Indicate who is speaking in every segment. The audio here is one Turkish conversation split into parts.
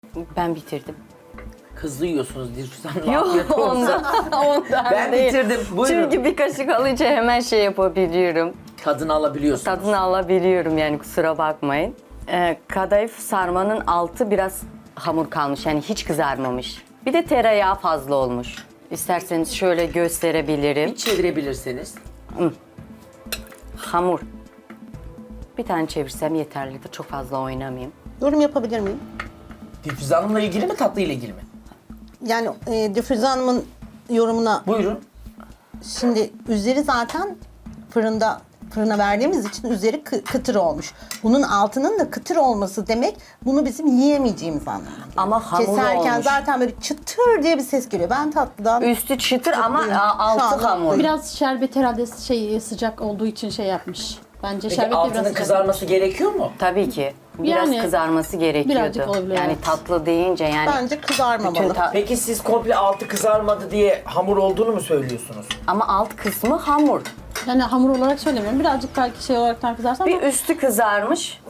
Speaker 1: Ben bitirdim.
Speaker 2: Hızlı yiyorsunuz Dilşüz Hanım.
Speaker 1: Yok
Speaker 2: Afiyet olsun.
Speaker 1: ondan
Speaker 2: Ben
Speaker 1: değil.
Speaker 2: bitirdim. Buyurun.
Speaker 1: Çünkü bir kaşık alınca hemen şey yapabiliyorum.
Speaker 2: Tadını alabiliyorsunuz.
Speaker 1: Tadını alabiliyorum yani kusura bakmayın. Kadayıf sarmanın altı biraz hamur kalmış yani hiç kızarmamış. Bir de tereyağı fazla olmuş. İsterseniz şöyle gösterebilirim.
Speaker 2: Bir çevirebilirseniz.
Speaker 1: Hamur. Bir tane çevirsem yeterlidir. Çok fazla oynamayayım.
Speaker 3: Yorum yapabilir miyim?
Speaker 2: Dilşüz Hanım'la ilgili mi tatlı ile ilgili mi?
Speaker 3: Yani Dilşüze Hanım'ın yorumuna
Speaker 2: Buyurun.
Speaker 3: şimdi üzeri zaten fırına verdiğimiz için üzeri kıtır olmuş. Bunun altının da kıtır olması demek bunu bizim yiyemeyeceğimiz anlamına geliyor.
Speaker 1: Ama hamur
Speaker 3: Keserken
Speaker 1: olmuş.
Speaker 3: zaten böyle çıtır diye bir ses geliyor. Ben tatlıdan
Speaker 1: Üstü çıtır ama
Speaker 3: Mutluyum. Şu
Speaker 1: altı
Speaker 3: anda
Speaker 1: hamur.
Speaker 3: mutluyum.
Speaker 4: Biraz şerbet herhalde sıcak olduğu için şey yapmış. Bence
Speaker 2: Peki
Speaker 4: şerbet de
Speaker 2: altının
Speaker 4: biraz sıcak.
Speaker 2: kızarması gerekiyor mu?
Speaker 1: Tabii ki. Biraz
Speaker 4: Yani
Speaker 1: kızarması gerekiyordu.
Speaker 4: birazcık olabilir,
Speaker 1: Yani
Speaker 4: evet.
Speaker 1: tatlı deyince yani.
Speaker 3: bence kızarmamalı.
Speaker 1: bütün
Speaker 2: Peki siz komple altı kızarmadı diye hamur olduğunu mu söylüyorsunuz?
Speaker 1: ama alt kısmı hamur.
Speaker 4: Yani hamur olarak söylemiyorum. Birazcık belki şey olarak kızarsa ama
Speaker 1: Bir üstü kızarmış.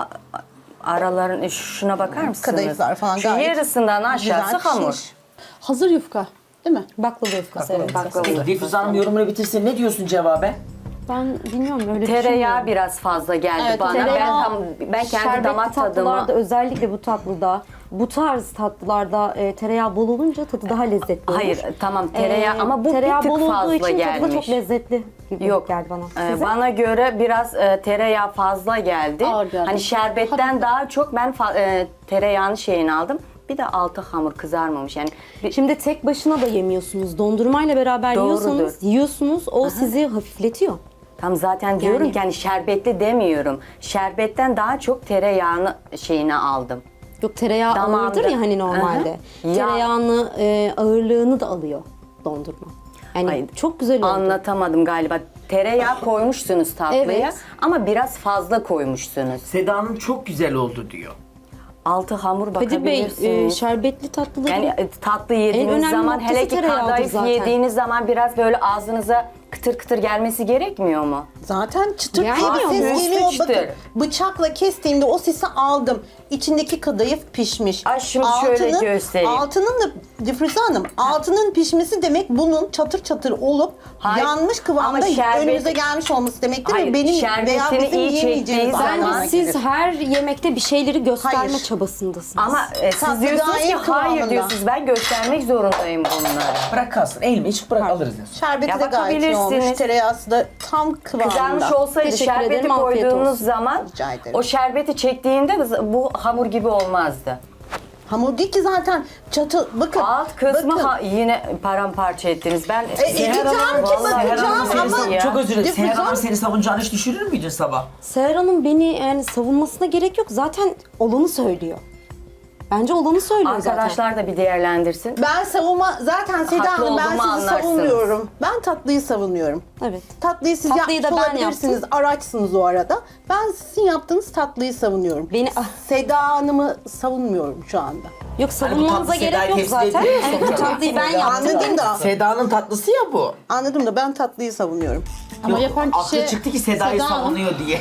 Speaker 1: Araların şuna bakar mısınız?
Speaker 3: Kadayıflar falan
Speaker 1: Şu
Speaker 3: gayet
Speaker 1: yarısından aşağısı
Speaker 3: güzel
Speaker 1: hamur.
Speaker 3: pişmiş.
Speaker 4: hazır yufka değil mi?
Speaker 5: Baklava yufkası evet.
Speaker 1: Baklava.
Speaker 2: Peki Dilşüz Hanım yorumunu bitirsin. Ne diyorsun cevaben?
Speaker 5: Ben bilmiyorum öyle
Speaker 1: Tereyağı
Speaker 5: düşünmüyorum.
Speaker 1: biraz fazla geldi
Speaker 4: Evet,
Speaker 1: bana.
Speaker 5: tereyağı,
Speaker 1: Ben kendi
Speaker 5: şerbetli
Speaker 1: damak
Speaker 5: tatlılarda
Speaker 1: tadıma
Speaker 5: özellikle bu tatlıda, bu tarz tatlılarda tereyağı bol olunca tadı daha lezzetli olur.
Speaker 1: hayır tamam tereyağı ama bu
Speaker 5: tereyağı
Speaker 1: bir tık
Speaker 5: bol olduğu
Speaker 1: fazla
Speaker 5: için tadı da
Speaker 1: gelmiş.
Speaker 5: çok lezzetli gibi
Speaker 1: Yok
Speaker 5: geldi bana.
Speaker 1: bana göre biraz tereyağı fazla geldi.
Speaker 4: Ağır geldi.
Speaker 1: Hani şerbetten
Speaker 4: Hafif.
Speaker 1: daha çok ben tereyağını şeyini aldım. Bir de altı hamur kızarmamış yani.
Speaker 5: Şimdi tek başına da yemiyorsunuz. Dondurmayla beraber
Speaker 1: Doğrudur.
Speaker 5: yiyorsunuz. O sizi hafifletiyor.
Speaker 1: Tam zaten diyorum
Speaker 5: Yani-
Speaker 1: ki hani şerbetli demiyorum. Şerbetten daha çok tereyağını şeyini aldım.
Speaker 5: Yok tereyağı
Speaker 1: Damağımda.
Speaker 5: ağırdır ya hani normalde.
Speaker 1: Hı hı. Ya-
Speaker 5: Tereyağını ağırlığını da alıyor dondurma. Yani
Speaker 1: Ay,
Speaker 5: çok güzel oldu.
Speaker 1: Anlatamadım galiba. Tereyağı koymuşsunuz tatlıya
Speaker 5: Evet.
Speaker 1: ama biraz fazla koymuşsunuz.
Speaker 2: Seda Hanım çok güzel oldu diyor.
Speaker 1: Altı hamur
Speaker 5: Kadir Bey
Speaker 1: bakabilirsiniz.
Speaker 5: şerbetli tatlıları
Speaker 1: Yani tatlı yediğiniz
Speaker 5: önemli
Speaker 1: zaman
Speaker 5: noktası
Speaker 1: hele ki
Speaker 5: tereyağıdır
Speaker 1: kadayıf
Speaker 5: zaten.
Speaker 1: yediğiniz zaman biraz böyle ağzınıza kıtır kıtır gelmesi gerekmiyor mu?
Speaker 3: Zaten çıtır diye
Speaker 5: Gelmiyor
Speaker 3: bir
Speaker 5: mu?
Speaker 3: ses
Speaker 1: Üstü
Speaker 3: geliyor.
Speaker 1: çıtır.
Speaker 3: Bakın bıçakla kestiğimde o sesi aldım. İçindeki kadayıf pişmiş.
Speaker 1: Ay, şimdi şöyle göstereyim.
Speaker 3: Altının da Dilşüze Hanım, altının pişmesi demek bunun çatır çatır olup
Speaker 1: Hayır,
Speaker 3: yanmış kıvamda
Speaker 1: ama şerbet-
Speaker 3: önümüze gelmiş olması demektir.
Speaker 1: Hayır,
Speaker 3: ve benim veya
Speaker 1: şerbetini
Speaker 3: bizim
Speaker 1: iyi
Speaker 3: yiyemeyeceğimiz
Speaker 1: çektiği zaman-
Speaker 3: anlamına
Speaker 5: Bence siz
Speaker 3: gelir.
Speaker 5: her yemekte bir şeyleri gösterme
Speaker 3: Hayır.
Speaker 5: çabasındasınız.
Speaker 1: Ama siz
Speaker 3: Tatlı
Speaker 1: diyorsunuz ki
Speaker 3: gayet
Speaker 1: hayır
Speaker 3: kıvamında.
Speaker 1: diyorsunuz ben göstermek zorundayım bunları.
Speaker 2: Bırak kalsın. Elimi hiç bırak alırız diyorsun.
Speaker 3: Şerbeti
Speaker 1: Ya
Speaker 3: de gayet iyi olmuş.
Speaker 1: bakabilirsiniz.
Speaker 3: Tereyağısı da tam kıvamında.
Speaker 1: Kızarmış olsaydı
Speaker 5: Teşekkür
Speaker 1: şerbeti
Speaker 5: ederim, afiyet
Speaker 1: koyduğunuz
Speaker 5: olsun.
Speaker 1: zaman
Speaker 3: Rica ederim.
Speaker 1: o şerbeti çektiğinde bu hamur gibi olmazdı.
Speaker 3: Hamur değil ki zaten çatı. Bakın.
Speaker 1: Alt kısmı
Speaker 3: bakın.
Speaker 1: yine paramparça ettiniz. Ben
Speaker 3: edeceğim ki
Speaker 1: Vallahi
Speaker 3: bakacağım
Speaker 2: Seher Hanım
Speaker 3: ama-
Speaker 2: seni, çok özür dilerim.
Speaker 3: Dilşüze
Speaker 2: Seher Hanım
Speaker 3: Hanım-
Speaker 2: seni savunacağını hiç düşünür müydün sabah?
Speaker 5: Seher Hanım beni yani savunmasına gerek yok. Zaten olanı söylüyor. Bence olanı söylüyor zaten.
Speaker 1: arkadaşlar da bir değerlendirsin.
Speaker 3: Ben zaten Seda
Speaker 1: Haklı
Speaker 3: Hanım ben
Speaker 1: olduğumu
Speaker 3: sizi
Speaker 1: anlarsınız.
Speaker 3: savunmuyorum. Ben tatlıyı savunuyorum.
Speaker 5: Evet.
Speaker 3: Tatlıyı siz
Speaker 5: Tatlıyı
Speaker 3: yapmış
Speaker 5: da ben
Speaker 3: olabilirsiniz.
Speaker 5: yaptım.
Speaker 3: Araçsınız o arada. Ben sizin yaptığınız tatlıyı savunuyorum.
Speaker 5: Beni-
Speaker 3: Seda Hanım'ı savunmuyorum şu anda.
Speaker 5: Yok savunmanıza
Speaker 2: tatlı
Speaker 5: gerek
Speaker 2: Seda'yı
Speaker 5: yok
Speaker 2: temsil
Speaker 5: zaten.
Speaker 2: ediyor
Speaker 5: Evet, bu
Speaker 2: sonuçta.
Speaker 5: tatlıyı ben yaptım.
Speaker 3: Anladım da.
Speaker 2: Seda'nın tatlısı ya bu.
Speaker 3: Anladım da ben tatlıyı savunuyorum.
Speaker 4: Ama
Speaker 2: Yok,
Speaker 4: yapan kişi
Speaker 2: aklı çıktı ki Seda'yı
Speaker 4: Seda Hanım.
Speaker 2: savunuyor diye.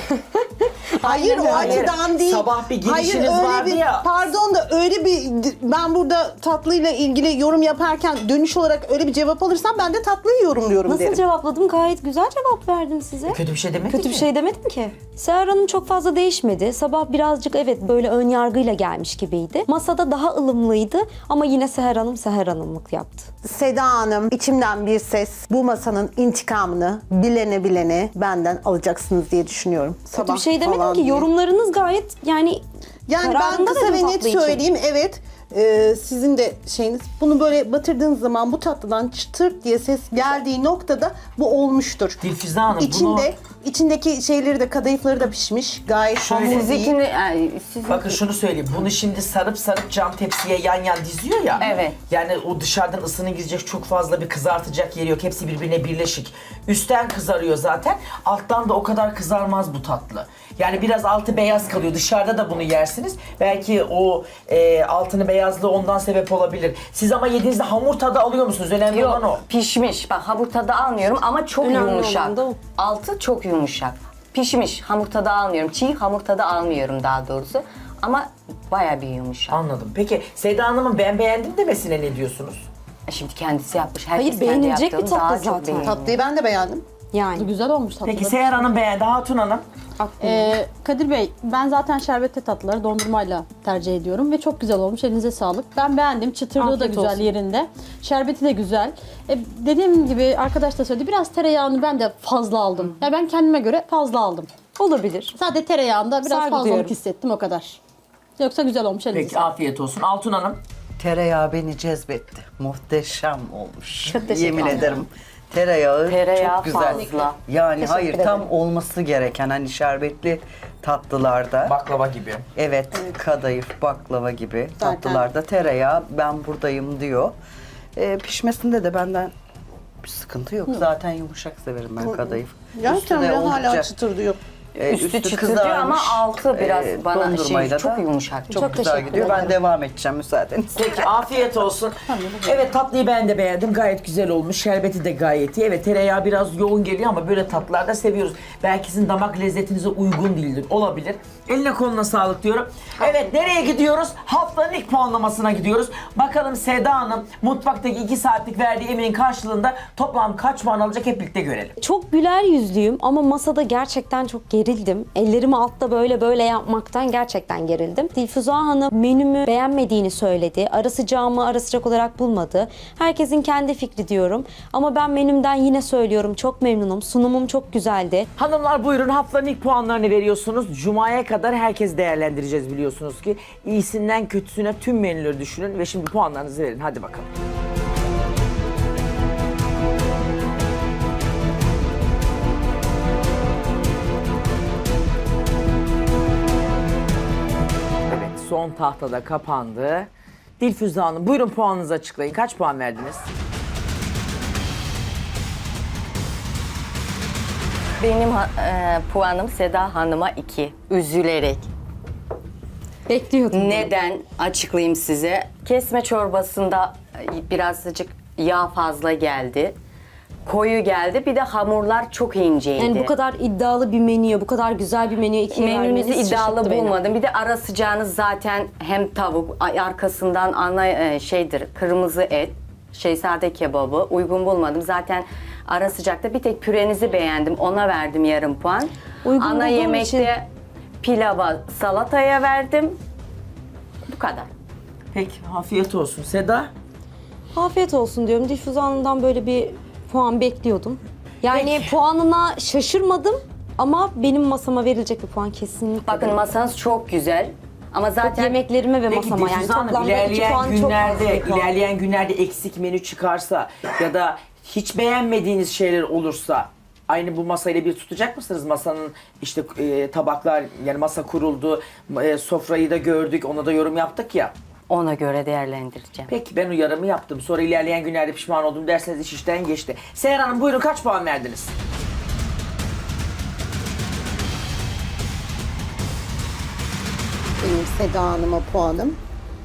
Speaker 3: Hayır o
Speaker 2: Hayır,
Speaker 3: açıdan değil.
Speaker 2: sabah bir
Speaker 3: Hayır
Speaker 2: girişiniz
Speaker 3: öyle
Speaker 2: vardı
Speaker 3: bir
Speaker 2: ya.
Speaker 3: pardon da öyle bir ben burada tatlıyla ilgili yorum yaparken dönüş olarak öyle bir cevap alırsam ben de tatlıyı yorumluyorum
Speaker 5: Nasıl
Speaker 3: derim.
Speaker 5: cevapladım? Gayet güzel cevap verdim size.
Speaker 2: Kötü bir şey demedin
Speaker 5: Kötü
Speaker 2: ki.
Speaker 5: bir şey demedim ki. Seher Hanım çok fazla değişmedi. Sabah birazcık evet böyle ön yargıyla gelmiş gibiydi. Masada daha ılımlıydı ama yine Seher Hanım Seher Hanımlık yaptı.
Speaker 3: Seda Hanım içimden bir ses bu masanın intikamını bilene benden alacaksınız diye düşünüyorum.
Speaker 5: Kötü bir şey demedim ki. Yorumlarınız gayet yani
Speaker 3: Yani ben
Speaker 5: kararında
Speaker 3: kısa
Speaker 5: dedim
Speaker 3: ve net
Speaker 5: tatlı için.
Speaker 3: söyleyeyim evet sizin de şeyiniz bunu böyle batırdığınız zaman bu tatlıdan çıtır diye ses geldiği noktada bu olmuştur.
Speaker 2: Dilfüze Hanım
Speaker 3: İçindeki şeyleri de kadayıfları da pişmiş gayet
Speaker 2: Şöyle
Speaker 3: hamur iyi.
Speaker 1: Sizinkini, yani sizin
Speaker 2: Bakın şunu söyleyeyim. Bunu şimdi sarıp cam tepsiye yan diziyor ya.
Speaker 1: Evet.
Speaker 2: Yani o dışarıdan ısını gidecek çok fazla bir kızartacak yeri yok. Hepsi birbirine birleşik. Üstten kızarıyor zaten. Alttan da o kadar kızarmaz bu tatlı. Yani biraz altı beyaz kalıyor. Dışarıda da bunu yersiniz. Belki o altını beyazlığı ondan sebep olabilir. Siz ama yediğinizde hamur tadı alıyor musunuz? Önemli olan o.
Speaker 1: yok pişmiş. Bak hamur tadı almıyorum ama çok
Speaker 5: Önemli
Speaker 1: yumuşak.
Speaker 5: olan da o.
Speaker 1: Altı çok yumuşak. Pişmiş hamur tadı almıyorum. Çiğ hamur tadı almıyorum daha doğrusu. Ama Bayağı bir yumuşak.
Speaker 2: Anladım. Peki Seda Hanım'ın ben beğendim demesine ne diyorsunuz?
Speaker 1: Şimdi kendisi yapmış. Herkes
Speaker 5: Hayır,
Speaker 1: kendi
Speaker 5: beğenilecek bir
Speaker 1: yaptığını
Speaker 5: tatlı
Speaker 1: daha çok
Speaker 5: zaten.
Speaker 1: beğeniyor.
Speaker 3: Tatlıyı ben de beğendim.
Speaker 5: Yani.
Speaker 4: Güzel olmuş tatlı.
Speaker 2: Peki Seher Hanım beğendi. Hatun Hanım?
Speaker 4: Kadir Bey, ben zaten şerbetli tatlıları dondurmayla tercih ediyorum ve çok güzel olmuş. Elinize sağlık. Ben beğendim. Çıtırlığı da
Speaker 5: Afiyet
Speaker 4: güzel
Speaker 5: olsun.
Speaker 4: yerinde. Şerbeti de güzel. Dediğim gibi arkadaş da söyledi. Biraz tereyağını ben de fazla aldım. Ya ben kendime göre fazla aldım.
Speaker 5: Olabilir.
Speaker 4: Sadece tereyağında biraz
Speaker 5: Saygı
Speaker 4: fazlalık
Speaker 5: duyuyorum.
Speaker 4: hissettim o kadar. Yoksa güzel olmuş elinize
Speaker 2: Peki
Speaker 4: sağlık.
Speaker 2: afiyet olsun. Altun Hanım?
Speaker 6: Tereyağı beni cezbetti. Muhteşem olmuş.
Speaker 1: Çok teşekkür
Speaker 6: Yemin
Speaker 1: ederim.
Speaker 6: ederim. Tereyağı,
Speaker 1: Tereyağı
Speaker 6: çok güzel.
Speaker 1: fazla.
Speaker 6: Yani hayır
Speaker 1: Teşekkür
Speaker 6: tam
Speaker 1: ederim.
Speaker 6: olması gereken hani şerbetli tatlılarda.
Speaker 2: Baklava gibi.
Speaker 6: Evet, kadayıf, baklava gibi
Speaker 3: Zaten.
Speaker 6: tatlılarda tereyağı ben buradayım diyor. Pişmesinde de benden bir sıkıntı yok. Zaten yumuşak severim ben kadayıf.
Speaker 3: Gerçekten
Speaker 6: Üstü de
Speaker 3: biraz hala
Speaker 6: oldukça,
Speaker 3: çıtır diyor.
Speaker 1: Üstü çıtır diyor ama altı biraz bana
Speaker 6: dondurmayla
Speaker 1: çok
Speaker 6: da
Speaker 1: yumuşak.
Speaker 6: Çok güzel
Speaker 5: teşekkür
Speaker 6: gidiyor. Ben
Speaker 5: ederim.
Speaker 6: devam edeceğim müsaadenizle.
Speaker 2: Peki afiyet olsun. Evet tatlıyı ben de beğendim. Gayet güzel olmuş. Şerbeti de gayet iyi. Evet tereyağı biraz yoğun geliyor ama böyle tatlılarda seviyoruz. Belki sizin damak lezzetinize uygun değildir. Olabilir. Eline koluna sağlık diyorum. Evet nereye gidiyoruz? Haftanın ilk puanlamasına gidiyoruz. Bakalım Seda Hanım mutfaktaki 2 saatlik verdiği emeğin karşılığında toplam kaç puan alacak hep birlikte görelim.
Speaker 5: Çok güler yüzlüyüm ama masada gerçekten çok gerildim. Ellerimi altta böyle yapmaktan gerçekten gerildim. Dilfuza Hanım menümü beğenmediğini söyledi. Ara sıcağımı ara sıcak olarak bulmadı. Herkesin kendi fikri diyorum. Ama ben menümden yine söylüyorum çok memnunum. Sunumum çok güzeldi.
Speaker 2: Hanımlar buyurun haftanın ilk puanlarını veriyorsunuz. Cuma'ya kadar herkes değerlendireceğiz biliyorsunuz ki. İyisinden kötüsüne tüm menüleri düşünün ve şimdi puanlarınızı verin. Hadi bakalım. Evet son tahtada kapandı. Dilfüze Hanım buyurun puanınızı açıklayın. Kaç puan verdiniz?
Speaker 1: Benim puanım Seda Hanım'a 2. Üzülerek.
Speaker 5: Bekliyordum.
Speaker 1: Neden? Açıklayayım size. Kesme çorbasında birazcık yağ fazla geldi. Koyu geldi. Bir de hamurlar çok inceydi.
Speaker 5: Yani bu kadar iddialı bir menüye, bu kadar güzel bir menüye ikiye
Speaker 1: Menünüzü
Speaker 5: vermeniz
Speaker 1: iddialı
Speaker 5: şaşırttı beni.
Speaker 1: bulmadım. Bir de ara sıcağınız zaten hem tavuk, arkasından ana şeydir, kırmızı et, sade kebabı uygun bulmadım. Zaten ara sıcakta bir tek pürenizi beğendim. Ona verdim yarım puan.
Speaker 5: Uygun
Speaker 1: Ana
Speaker 5: bulduğum
Speaker 1: yemekte
Speaker 5: için-
Speaker 1: pilava, salataya verdim. Bu kadar.
Speaker 2: Peki afiyet olsun. Seda?
Speaker 5: Afiyet olsun diyorum. Dilfuza Hanım'dan böyle bir puan bekliyordum. Yani
Speaker 2: Peki.
Speaker 5: puanına şaşırmadım ama benim masama verilecek bir puan kesinlikle
Speaker 1: Bakın
Speaker 5: değil.
Speaker 1: masanız çok güzel. Ama zaten
Speaker 5: Yemeklerime ve
Speaker 2: Peki
Speaker 5: masama yani
Speaker 2: Dilfüze Hanım
Speaker 5: toplamda 2 puan çok az bir puan.
Speaker 2: ilerleyen günlerde eksik menü çıkarsa ya da hiç beğenmediğiniz şeyler olursa aynı bu masayla bir tutacak mısınız? Masanın işte tabaklar yani masa kuruldu, sofrayı da gördük, ona da yorum yaptık ya.
Speaker 1: ona göre değerlendireceğim.
Speaker 2: Peki ben uyarımı yaptım. Sonra ilerleyen günlerde pişman oldum derseniz iş işten geçti. Seher Hanım buyurun kaç puan verdiniz?
Speaker 3: Benim Seda Hanım'a puanım.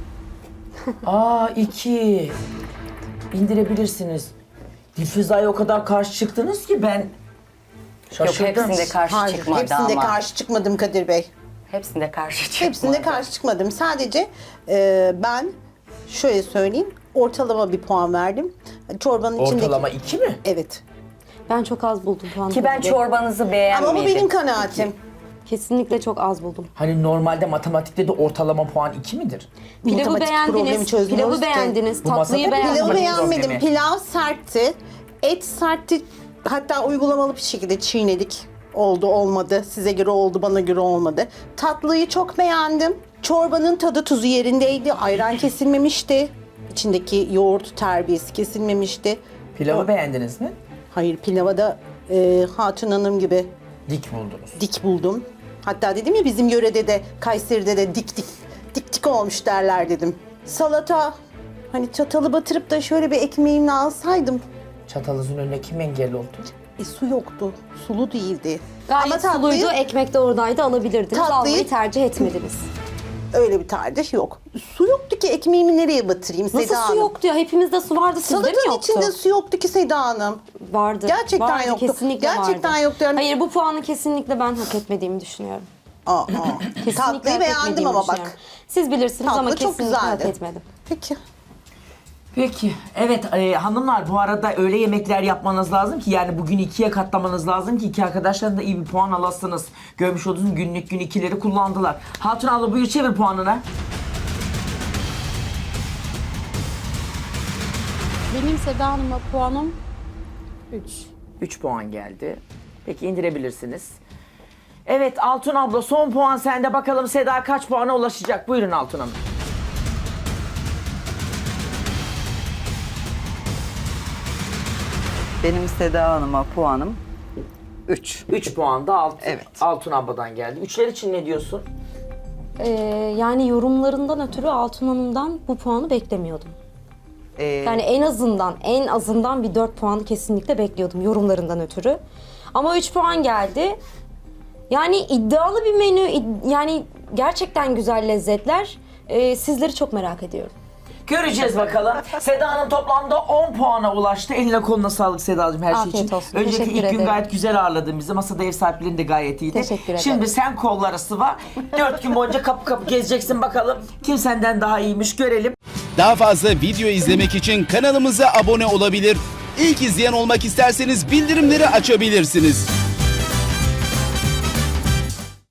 Speaker 2: Aa 2. İndirebilirsiniz. Dilfüze'ye o kadar karşı çıktınız ki ben
Speaker 1: Yok
Speaker 2: şaşırdım.
Speaker 1: hepsinde karşı
Speaker 3: Hayır,
Speaker 1: çıkmadı
Speaker 3: hepsinde
Speaker 1: ama.
Speaker 3: karşı çıkmadım Kadir Bey.
Speaker 1: Hepsinde karşı çıkmadı.
Speaker 3: Hepsinde karşı çıkmadım. Sadece ben şöyle söyleyeyim, ortalama bir puan verdim. Çorbanın içindeki...
Speaker 2: Ortalama 2 mi?
Speaker 3: Evet.
Speaker 5: Ben çok az buldum puanı.
Speaker 1: Ki ben çorbanızı beğenmedim.
Speaker 3: Ama bu benim kanaatim.
Speaker 5: Kesinlikle çok az buldum.
Speaker 2: Hani normalde matematikte de ortalama puan 2 midir?
Speaker 5: Pilavı
Speaker 3: Matematik problemi
Speaker 5: beğendiniz,
Speaker 3: çözmüyoruz
Speaker 5: pilavı
Speaker 3: ki.
Speaker 5: beğendiniz,
Speaker 2: Bu masada
Speaker 5: tatlıyı
Speaker 2: pilavı
Speaker 5: beğendiniz.
Speaker 3: Pilavı
Speaker 2: Problemi.
Speaker 3: beğenmedim. Pilav sertti. Et sertti. Hatta uygulamalı bir şekilde çiğnedik. Oldu olmadı. Size göre oldu, bana göre olmadı. Tatlıyı çok beğendim. Çorbanın tadı tuzu yerindeydi. Ayran kesilmemişti. İçindeki yoğurt terbiyesi kesilmemişti.
Speaker 2: Pilavı beğendiniz mi?
Speaker 3: Hayır, pilava da Hatun Hanım gibi
Speaker 2: Dik buldunuz.
Speaker 3: dik buldum. Hatta dedim ya bizim yörede de Kayseri'de de dik olmuş derler dedim. Salata hani çatalı batırıp da şöyle bir ekmeğimle alsaydım.
Speaker 2: Çatalınızın önüne kim engel oldu?
Speaker 3: Su yoktu. Sulu değildi.
Speaker 5: Gayet
Speaker 3: Ama tatlıyı
Speaker 5: suluydu, ekmek de oradaydı alabilirdiniz.
Speaker 3: Tatlıyı-
Speaker 5: Almayı tercih etmediniz.
Speaker 3: öyle bir tercih yok. Su yoktu ki ekmeğimi nereye batırayım
Speaker 5: Nasıl
Speaker 3: Seda
Speaker 5: su
Speaker 3: Hanım?
Speaker 5: yoktu ya? Hepimizde su vardı, sizde mi
Speaker 3: Salatanın
Speaker 5: yoktu?
Speaker 3: içinde su yoktu ki Seda Hanım.
Speaker 5: Vardı.
Speaker 3: Gerçekten
Speaker 5: Vardı,
Speaker 3: yoktu.
Speaker 5: Kesinlikle
Speaker 3: Gerçekten
Speaker 5: vardı.
Speaker 3: yoktu yani.
Speaker 5: Hayır bu puanı kesinlikle ben hak etmediğimi düşünüyorum. Kesinlikle
Speaker 3: Tatlıyı
Speaker 5: hak
Speaker 3: beğendim
Speaker 5: etmediğimi
Speaker 3: ama
Speaker 5: düşünüyorum.
Speaker 3: bak.
Speaker 5: Siz bilirsiniz ama
Speaker 3: Tatlı çok
Speaker 5: kesinlikle hak
Speaker 3: güzeldi.
Speaker 5: etmedim.
Speaker 3: Peki.
Speaker 2: Peki. Evet hanımlar bu arada öyle yemekler yapmanız lazım ki yani bugün 2'ye katlamanız lazım ki iki arkadaşlar da iyi bir puan alasınız. Görmüş olduğunuz günlük gün 2'leri kullandılar. Hatun abla buyur çevir puanını.
Speaker 4: Benim Seda Hanım'a puanım 3.
Speaker 2: 3 puan geldi. Peki indirebilirsiniz. Evet Altun abla son puan sende. Bakalım Seda kaç puana ulaşacak? Buyurun Altun Hanım.
Speaker 6: Benim Seda Hanım'a puanım 3.
Speaker 2: 3 puan da
Speaker 6: Evet.
Speaker 2: Altun abladan geldi. Üçler için ne diyorsun?
Speaker 5: Yani yorumlarından ötürü Altun Hanım'dan bu puanı beklemiyordum. Yani en azından bir 4 puanı kesinlikle bekliyordum yorumlarından ötürü. Ama 3 puan geldi. Yani iddialı bir menü, yani gerçekten güzel lezzetler. Sizleri çok merak ediyorum.
Speaker 2: Göreceğiz bakalım. Seda Hanım toplamda 10 puana ulaştı. Eline koluna sağlık Sedacığım her şey
Speaker 5: Afiyet
Speaker 2: için.
Speaker 5: olsun.
Speaker 2: Önceki
Speaker 5: Teşekkür
Speaker 2: ilk gün
Speaker 5: ederim.
Speaker 2: gayet güzel ağırladın bizi. Masada ev sahipliğin de gayet iyiydi.
Speaker 5: Teşekkür ederim.
Speaker 2: Şimdi sen kolları sıva. 4 gün boyunca kapı kapı gezeceksin bakalım. Kim senden daha iyiymiş görelim.
Speaker 7: Daha fazla video izlemek için kanalımıza abone olabilir. İlk izleyen olmak isterseniz bildirimleri açabilirsiniz.